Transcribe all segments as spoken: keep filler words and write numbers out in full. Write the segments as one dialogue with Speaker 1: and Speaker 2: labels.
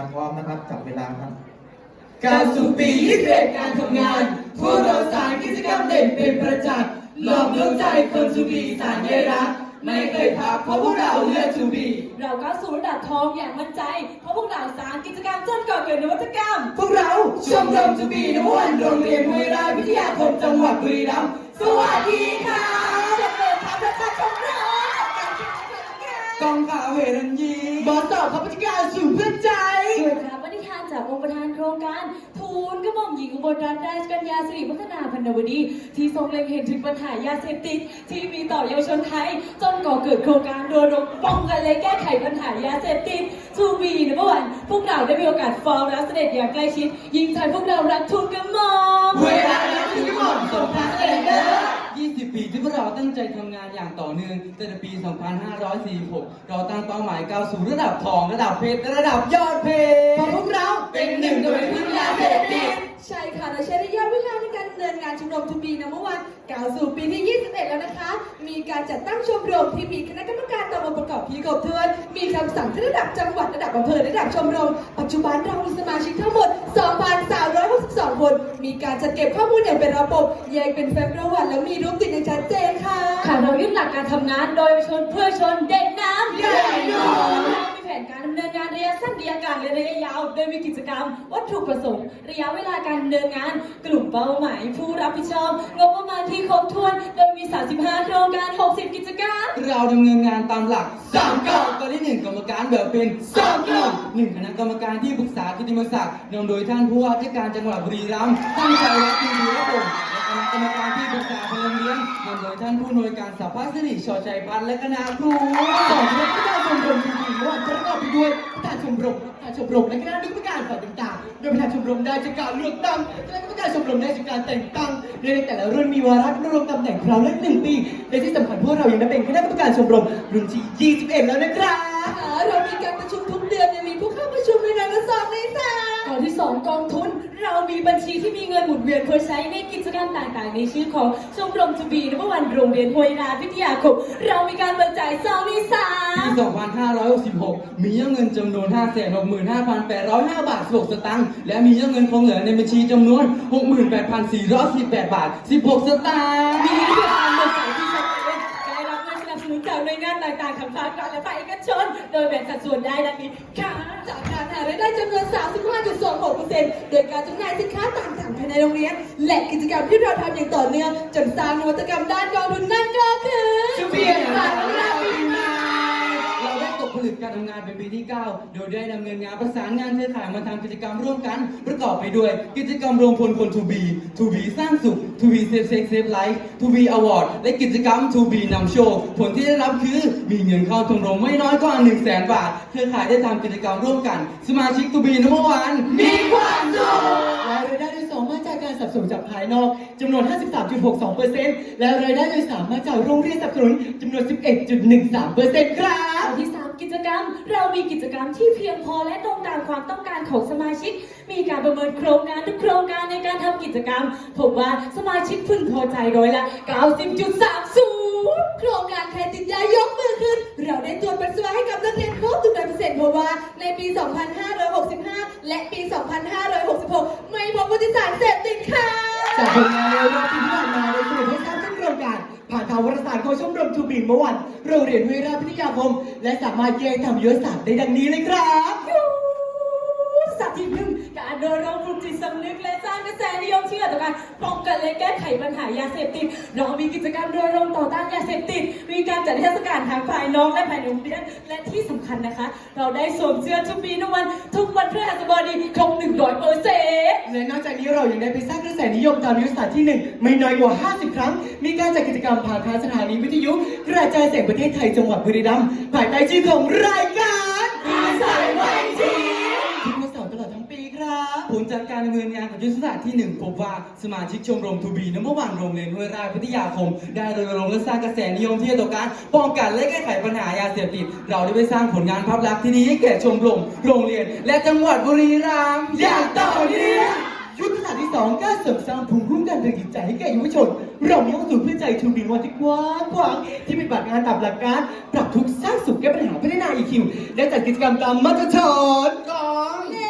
Speaker 1: พร้อมนะครับจับเวลาครับ
Speaker 2: การสู่ปียี่สิบเอ็ดการทำงานพวกเราสารกิจกรรมเด่นเป็นประจักษ์หลอมดวงใจคนสู่ปีสารใยรักไม่เคยพักเพราะพวกเราเลือกสู่ปี
Speaker 3: เราก้าวสู่ระดับทองอย่างมั่นใจเพราะพวกเราสารกิจกรรมจนก่อเกิดนวัตกรรม
Speaker 2: พวกเราชมรมสู่ปีนวันโรงเรียนห้วยราชวิทยาคมจังหวัดบุรีรัมย์สวัสดีค่ะ
Speaker 3: จะเปิดทางประจักษ์ของเรา
Speaker 2: กองข่าวเฮรันยีบอสต่อข้าราชการสู่เพื่อใจ
Speaker 3: ด้วยพระปฏิญาณจากองค์ประธานโครงการทูลกระหม่อมหญิงอุบลรัตนราชกัญญาสิริวัฒนาพันนวดีที่ทรงเล็งเห็นถึงปัญหายาเสพติดที่มีต่อเยาวชนไทยจนก่อเกิดโครงการรณรงค์ป้องกันและแก้ไขปัญหายาเสพติดทูบีนะเมื่อวันพวกเราได้มีโอกาสฟ้องรับเสด็จอย่างใกล้ชิดยิ่งใจพวกเรารักทูลกระหม่อม
Speaker 2: เวลารักทูลกระหม่อมส่งพระเสด็จเด้อยี่สิบปีที่พวกเราตั้งใจทำงานอย่างต่อเนื่องตั้งแต่ปี สองพันห้าร้อยสี่สิบหก เราตั้งเป้าหมายก้าวสู่ระดับทองระดับเพชรระดับยอดเพชรเพราะพวกเราเป็นหนึ่งโดยพึ่งยาเสพติด
Speaker 3: ใช่ค่ะและใช้ระยะเวลาในการดำเนินงานชมรมทูบีนะเมื่อวานกล่าวสู่ปีที่ ยี่สิบเอ็ด แล้วนะคะมีการจัดตั้งชมรมที่มีคณะกรรมการตามองค์ประกอบที่ครบถ้วนมีคำสั่งที่ระดับจังหวัดระดับอำเภอระดับชมรมปัจจุบันเรามีสมาชิกทั้งหมด สองพันสามร้อยหกสิบสอง คนมีการจัดเก็บข้อมูลอย่างเป็นระบบแยกเป็นแฟ้มประวัติและมีรูปติดอย่างชัดเจนค่ะค่ะเรายึดหลักการทำงานโดยชนเพื่อชนเด็กน้ำ
Speaker 2: ใหญ่หน่อย
Speaker 3: มีแผนการดำเนินงานระยะสั้นระยะกลางและระยะยาวโดยมีกิจกรรมวัตถุประสงค์ระยะเวลาการดำเนินงานกลุ่มเป้าหมายผู้รับผิดชอบงบประมาณที่ครบถ้วนโดยมีสามสิบห้าโครงการหกสิบกิจกรรม
Speaker 2: เราดำเนินงานตามหลักสามกลุ่มตอนที่หนึ่งกรรมการแบบเป็นสองกลุ่มหนึ่งคณะกรรมการที่ปรึกษากิตติมศักดิ์นำโดยท่านผู้ว่าราชการจังหวัดบุรีรัมย์ท่านชัยวัฒน์อินทรีย์พงศ์และคณะกรรมการที่ปรึกษาพลเรือนนำโดยท่านผู้อำนวยการสภาสิริชอชัยพันธ์และคณะครู
Speaker 1: สองคณะกรรมการชมรมทูบีเมื่อวานประกอบไปด้วยประธานชมรมประธานชมรมและคณะกรรมการฝ่ายต่างๆโดยประธานชมรมได้จากการเลือกตั้งคณะกรรมการชมรมได้จากการแต่งตั้งโดยในแต่ละรุ่นมีวาระดำรงตำแหน่งคราวละหนึ่งปีและที่สำคัญพวกเรายังได้เป็นคณะกรรมการชมรมรุ่นที่ยี่สิบเอ็ดแล้วนะครับ
Speaker 3: เรามีการประชุมทุกเดือนยังมีผู้เข้าประชุมในนามสองในสามข้อที่สองกองทุนเรามีบัญชีที่มีเงินหมุนเวียนเพื่อใช้ในกิจกรรมต่างๆในชื่อของชมรมทูบีเมื่อวันโรงเรียนห้วยราชวิทยาคมเรามีการเบิกจ่ายสองในสาม
Speaker 2: ปี สองพันห้าร้อยหกสิบหก มียอดเงินจำนวน ห้าแสนหกหมื่นห้าพันแปดร้อยห้า บาทสิบหกสตางค์และมียอดเงินคงเหลือในบัญชีจำนวน หกหมื่นแปดพันสี่ร้อยสิบแปด บาทสิบหกสตางค์
Speaker 3: มีการเบิกจ่ายที่ชัดเจนได้รับเงินสนับสนุนจากหน่วยงานต่างๆทั้งภาครัฐและภาคเอกชนโดยแบ่งสัดส่วนได้ดังนี้ค่ะจากการหารายได้จำนวน สามสิบห้าจุดสองหกเปอร์เซ็นต์ โดยการจำหน่ายสินค้าต่างๆภายในโรงเรียนและกิจกรรมที่เราทำอย่างต่อเนื่องจนสร้างนวัตกรรมด้านกองทุนนั่นก็คือ
Speaker 2: ชูเบียร์สารนาปีใหม่เราได้ตกผลึกการทำงานเป็นปีที่ เก้า โดยได้ดำเนินงานประสานงานเครือข่ายมาทำกิจกรรมร่วมกันประกอบไปด้วยกิจกรรมรวมพลคนทูบีทูบีสร้างสุขทูบีเซฟเซ็กเซฟไลฟ์ทูบีอวอร์ดและกิจกรรมทูบีนำโชว์ผลที่ได้รับคือมีเงินเข้าชมรมไม่น้อยกว่า หนึ่งแสน บาทเครือข่ายได้ทำกิจกรรมร่วมกันสมาชิกทูบีนัมเบอร์วันมีความสุข
Speaker 1: และรายได้โดยสองมาจากการสนับสนุนจากภายนอกจำนวน ห้าสิบสามจุดหกสองเปอร์เซ็นต์ และรายได้โดยสามมาจากโรงเรียนสนับสนุนจำนวน สิบเอ็ดจุดหนึ่งสามเปอร์เซ็นต์ ครับ
Speaker 3: ข้อที่สามกิจกรรมเรามีกิจกรรมที่เพียงพอและตรงตามความต้องการของสมาชิกมีการประเมินโครงการทุกโครงการในการทำกิจกรรมพบว่าสมาชิกพึงพอใจร้อยละ เก้าสิบจุดสามศูนย์ โครงการใครติดยายกมือขึ้นเราได้ตรวจปัสสาวะให้กับนักเรียนครบทุกร้อยเปอร์เซ็นต์เพราะว่าในปี สองพันห้าร้อยหกสิบห้า และปี สองพันห้าร้อยหกสิบหก ไม่พบผู้ติดสารเสพติดค่ะ
Speaker 1: จากผลงานในรอบปีที่ผ่านมาได้สรุปให้ทราบทั้งโครงการผ่านทางวารสารของชมรมทูบีเมื่อวันโรงเรียนห้วยราชวิทยาคมและสามารถแยกทำยุทธศาสตร์ได้ดังนี้เลยครับ
Speaker 3: สัตว์ที่หนึ่งการเดินรองปลุกจิตสำนึกและสร้างกระแสนิยมเชื่อต่อการป้องกันและแก้ไขปัญหายาเสพติดเรามีกิจกรรมโดยรวมต่อต้านยาเสพติดมีการจัดเทศกาลทางภายนอกและภายในโรงเรียนและที่สำคัญนะคะเราได้สวมเสื้อทูบีทุกวันทุกวันพฤหัสบดีครบหนึ่งร้อยเปอร์เซ็นต์
Speaker 1: และนอกจากนี้เรายังได้ไปสร้างกระแสนิยมตามยุทธศาสตร์ที่หนึ่งไม่น้อยกว่าห้าสิบครั้งมีการจัดกิจกรรมผ่านทางสถานีวิทยุกระจายเสียงประเทศไทยจังหวัดบุรีรัมย์ภายใต้ชื่อของรายการ
Speaker 2: อาศัยไว้ที
Speaker 1: ทุกวันเสาร์ตลอดทั้งปีครับ
Speaker 2: ผลจากการดำเนินงานของยุทธศาสตร์ที่หนึ่งพบว่าสมาชิกชมรมทูบีนัมเบอร์วันโรงเรียนห้วยราชวิทยาคมได้รณรงค์และสร้างกระแสนิยมที่ต่อการป้องกันและแก้ไขปัญหายาเสพติดเราได้ไปสร้างผลงานภาพลักษณ์ที่ดีให้แก่ชมรมโรงเรียนและจังหวัดบุรีรัมย์อย่างต่อเนื่อง
Speaker 1: ยุทธศาสตร์ที่สองการเสริมสร้างภูมิคุ้มกันทางจิตใจให้แก่เยาวชนเรามีห้องศูนย์เพื่อใจทูบีวันที่กว้างขวางที่ปฏิบัติงานตามหลักการปรับทุกข์สร้างสุขแก้ปัญหาพัฒนา อี คิว และจัดกิจกรรมตามมาตรฐานของ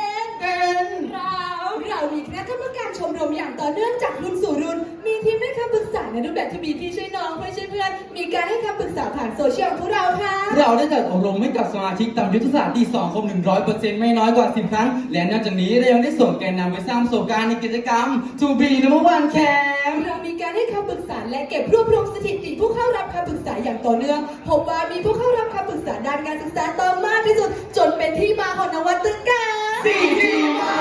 Speaker 3: รมอย่างต่อเนื่องจากรุ่นสู่รุ่น มีทีมให้คำปรึกษาในรูปแบบที่มีพี่ช่วยน้องเพื่อนช่วยเพื่อน มีการให้คำปรึกษาผ่านโซเชียลของพวกเราค่ะ
Speaker 2: เราได้จัดอบรมให้กับสมาชิกตามยุทธศาสตร์ที่สองครบหนึ่งร้อยเปอร์เซ็นต์ไม่น้อยกว่าสิบครั้ง และนอกจากนี้เรายังได้ส่งแกนนำไปสร้างประสบการณ์ในกิจกรรม ทู บี Number One Camp
Speaker 3: เรามีการให้คำปรึกษาและเก็บรวบรวมสถิติผู้เข้ารับคำปรึกษาอย่างต่อเนื่อง พบว่ามีผู้เข้ารับคำปรึกษาด้านการศึกษาต่อมากที่สุด จนเป็นที่มาของนวัตกรรม
Speaker 2: สี่ จี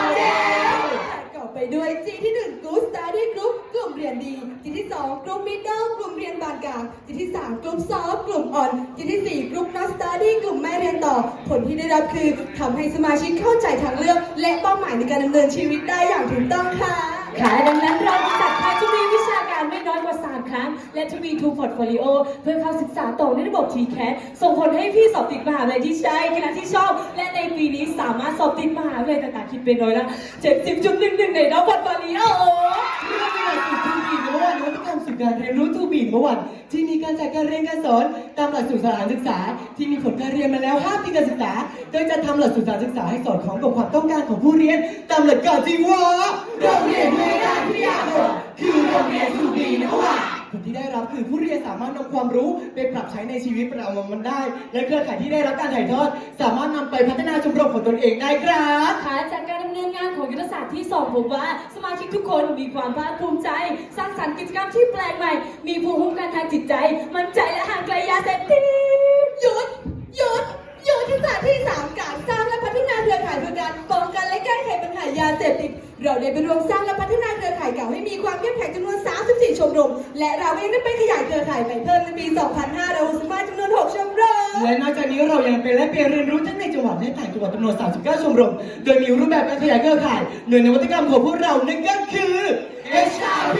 Speaker 2: Model
Speaker 3: ประกอบไปด้วย G ที่หนึ่ง Good Study Group กลุ่มเรียนดี G ที่สอง Group Middle กลุ่มเรียนปานกลาง G ที่สาม Group Soft กลุ่มอ่อน G ที่สี่ Group Not Study กลุ่มไม่เรียนต่อ ผลที่ได้รับคือทำให้สมาชิกเข้าใจทางเลือก และเป้าหมายในการดำเนินชีวิตได้อย่างถูกต้องค่ะ
Speaker 4: ค่ะดังนั้นเราจะจัดค่ายทวีวิชาการไม่น้อยกว่าสามครั้ง และทวีทูพอร์ตโฟลิโอเพื่อเข้าศึกษาต่อในระบบ ที แคท ส่งผลให้พี่สอบติดมหาวิทยาลัยที่ใช่คณะที่ชอบ และในปีนี้สามารถสอบติดมหาวิทยาลัยต่างๆคิดเป็นร้อยละ เจ็ดสิบจุดหนึ่งหนึ่ง ในระบบพอร์ตโฟลิโอ
Speaker 1: เรื่องในหลักสูตร ทู บี เมื่อวานนวัตกรรมสู่การเรียนรู้ ทู บี เมื่อวานที่มีการจัดการเรียนการสอนตามหลักสูตรสถานศึกษา ที่มีผลการเรียนมาแล้วห้าปีการศึกษา โดยจะทำหลักสูตรสถานศึกษาให้สอดคล้องกับความต้องการของผู้เรียน ตามหลักการที่ว่าเราเรียนด้วยด้านวิทยาคมคือโรงเรียน ทู บี เมื่อวานผลที่ได้รับคือผู้เรียนสามารถนำความรู้ไปปรับใช้ในชีวิตประจำวันได้ และเครือข่ายที่ได้รับการถ่ายทอด สามารถนำไปพัฒนาชมรมของตนเองได้ครับ
Speaker 4: ค่ะจากการดำเนินงานของยุทธศาสตร์ที่สองพบว่าสมาชิกทุกคนมีความภาคภูมิใจ สร้างสรรค์กิจกรรมที่แปลกใหม่ มีภูมิคุ้มกันทางจิตใจ มั่นใจและห่างไกลยาเสพติด
Speaker 3: หยุด หยุด หยุดที่ศาสตร์ที่สามการสร้างและพัฒนาเครือข่ายเพื่อการป้องกันและแก้ไขปัญหายาเสพติด เราได้ไปรวมสร้างและพัฒนาเครือข่ายเก่าให้มีความเข้มแข็งจำนวน สามสิบสี่ ชมรม และเรายังได้ไปขยายเครือข่ายไปเพิ่มในปี สองพันห้าร้อยหกสิบห้า จำนวน หก ชมรม
Speaker 1: และนอกจากนี้เรายังเป็นและเปียนเรียนรู้ทั้งในจังหวัดและต่างจังหวัดจำนวน สามสิบเก้า ชมรม โดยมีรูปแบบการขยายเครือข่ายหน่วยนวัตกรรมของพวกเรานั่นก็คือ เอช อาร์ พี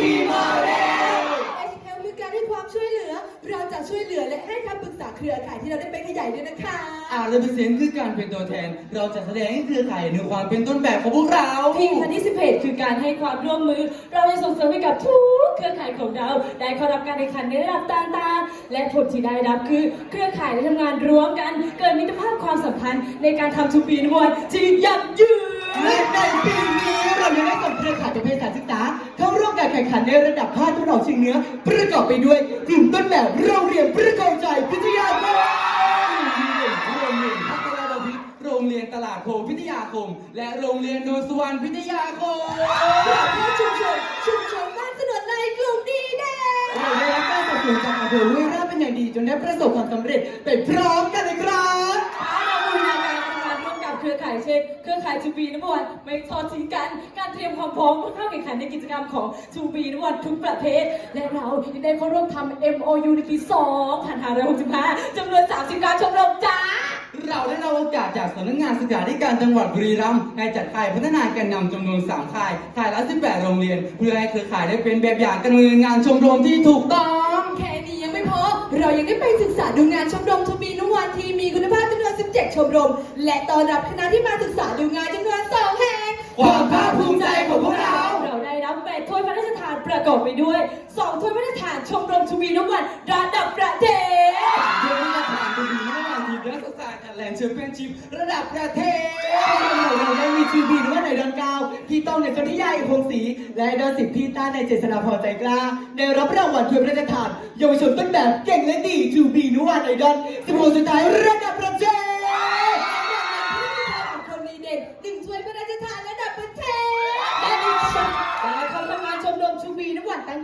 Speaker 1: Model
Speaker 3: เอช แอล คือการให้ความช่วยเหลือ เราจะช่วยเหลือและให้คำปรึกษาเครือข่ายที่เราได้ไปขยายด้วยนะคะ
Speaker 2: อาร์เรเปอร์เซ็นต์คือการเป็นตัวแทน เราจะแสดงให้เครือข่ายในความเป็นต้นแบบของพวกเรา
Speaker 4: ทีมพันธิสิบเอ็ดคือการให้ความร่วมมือ เราจะส่งเสริมให้กับทุกเครือข่ายของเรา ได้เข้ารับการแข่งขันในระดับต่างๆ และผลที่ได้รับคือเครือข่ายได้ทำงานร่วมกัน เกิดมิตรภาพความสัมพันธ์ในการทำทูบีนวันที่ยั่งยืน
Speaker 1: และในปีนี้เรายังได้ส่งเครือข่ายประเภทสถานศึกษาเข้าร่วมการแข่งขันในระดับภาคตะวันออกเฉียงเหนือประกอบไปด้วยกลุ่มต้นแบบโรงเรียนประกอบใจพิทยาคม
Speaker 2: โรงเรียนพัฒนาบพิตรโรงเรียนตลาดโพพิทยาคม และโรงเรียนโนนสุวรรณพิทยาคม
Speaker 3: ชุมชนชุมชนบ้านสนวนในกลุ่มดีแดง
Speaker 1: เราได้รับการสนับสนุนจากอำเภอห้วยราชเป็นอย่างดีจนได้ประสบความสำเร็จไปพร้อมกันเลยครับ
Speaker 4: เราบูรณาการทำงานร่วมกับเครือข่ายเช่น เครือข่ายทูบีนวันไม่ทอดทิ้งกัน การเตรียมความพร้อมเพื่อเข้าแข่งขันในกิจกรรมของทูบีนวันทุกประเภท และเรายังได้เข้าร่วมทำ เอ็ม โอ ยู ในปี สองพันห้าร้อยหกสิบห้า จำนวน สามสิบ การชมรมจ้า
Speaker 2: เราได้รับโอกาสจากสำนักงานศึกษาธิการจังหวัดบุรีรัมย์ให้จัดค่ายพัฒนาแกนนำจำนวนสามค่ายค่ายละสิบแปดโรงเรียน เพื่อให้เครือข่ายได้เป็นแบบอย่างการดำเนินงานชมรมที่ถูกต้อง
Speaker 3: แค่นี้ยังไม่พอ เรายังได้ไปศึกษาดูงานชมรมทบีนุวันที่มีคุณภาพจำนวน สิบเจ็ด ชมรม และต้อนรับคณะที่มาศึกษาดูงานจำนวน สอง แห่ง
Speaker 1: ความภาคภูมิใจของพวกเรา
Speaker 4: เราได้รับแปดถ้วยพระราชทานประกอบไปด้วยสองถ้วยพระราชทานชมรมทูบีนวันระดับประเทศ
Speaker 2: เพื่อที่จะผ่านไปถึงระหว่างทีมนักศึกษาแลนด์แชมเปี้ยนชิพระดับประเทศ
Speaker 1: เราได้มีทีบีหรือว่าในดอนเก้าพี่ต้องในสนธิยาเอกพงศรีและดอนสิบพี่ต้าในเจษฎาพรใจกล้าได้รับรางวัลถ้วยพระราชทานเยาวชนต้นแบบเก่งและดีทูบีนุวันในดอนสิบหกสุดท้ายระดับประเทศ
Speaker 3: คนดีเด่นหนึ่งถ้วยพระราชทานระดับประเทศ
Speaker 4: และดิฉันและขอ